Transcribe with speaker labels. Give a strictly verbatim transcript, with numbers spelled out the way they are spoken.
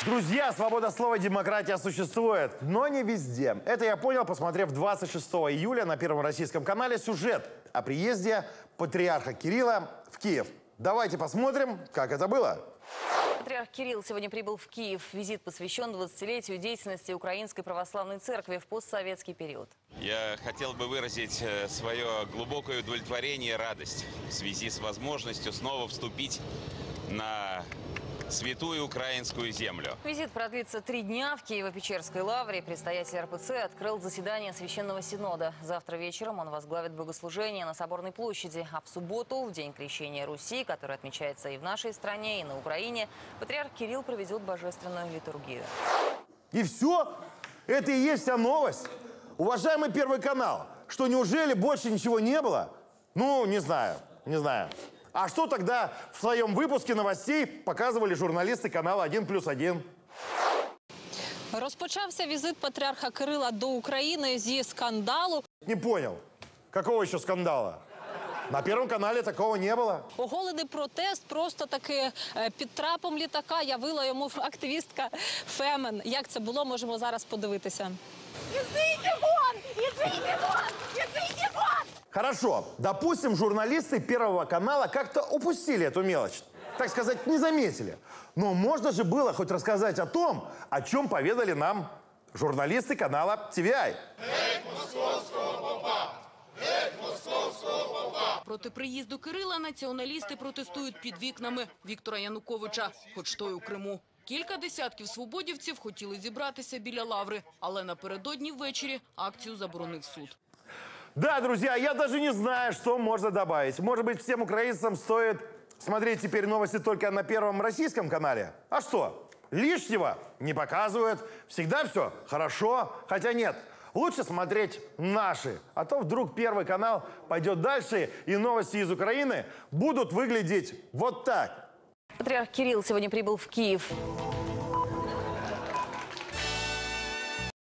Speaker 1: Друзья, свобода слова и демократия существует, но не везде. Это я понял, посмотрев двадцать шестого июля на Первом российском канале сюжет о приезде патриарха Кирилла в Киев. Давайте посмотрим, как это было.
Speaker 2: Патриарх Кирилл сегодня прибыл в Киев. Визит посвящен двадцатилетию деятельности Украинской Православной Церкви в постсоветский период.
Speaker 3: Я хотел бы выразить свое глубокое удовлетворение и радость в связи с возможностью снова вступить на святую украинскую землю.
Speaker 2: Визит продлится три дня. В Киево-Печерской лавре предстоятель эр пэ цэ открыл заседание Священного Синода. Завтра вечером он возглавит богослужение на Соборной площади. А в субботу, в день крещения Руси, который отмечается и в нашей стране, и на Украине, патриарх Кирилл проведет божественную литургию.
Speaker 1: И все? Это и есть вся новость? Уважаемый Первый канал, что неужели больше ничего не было? Ну, не знаю, не знаю. А что тогда в своем выпуске новостей показывали журналисты канала один плюс один?
Speaker 4: Розпочався візит патріарха Кирила до України зі скандалу.
Speaker 1: Не понял. Какого еще скандала? На Первом канале такого не было.
Speaker 4: Оголений протест просто таки е, під трапом літака явила йому активістка Фемен. Як це було, можемо зараз подивитися.
Speaker 5: Идите вон! Идите вон! Идите вон!
Speaker 1: Хорошо, допустим, журналисты Первого канала как-то упустили эту мелочь. Так сказать, не заметили. Но можно же было хоть рассказать о том, о чем поведали нам журналисты канала ти ви ай.
Speaker 6: Проти приїзду Кирила націоналісти протестують під вікнами Віктора Януковича, хоч той у Криму. Кілька десятків свободівців хотіли зібратися біля лаври, але напередодні ввечері акцію заборонив суд.
Speaker 1: Да, друзья, я даже не знаю, что можно добавить. Может быть, всем украинцам стоит смотреть теперь новости только на Первом российском канале? А что? Лишнего не показывают. Всегда все хорошо. Хотя нет, лучше смотреть наши. А то вдруг Первый канал пойдет дальше, и новости из Украины будут выглядеть вот так.
Speaker 2: Патриарх Кирилл сегодня прибыл в Киев.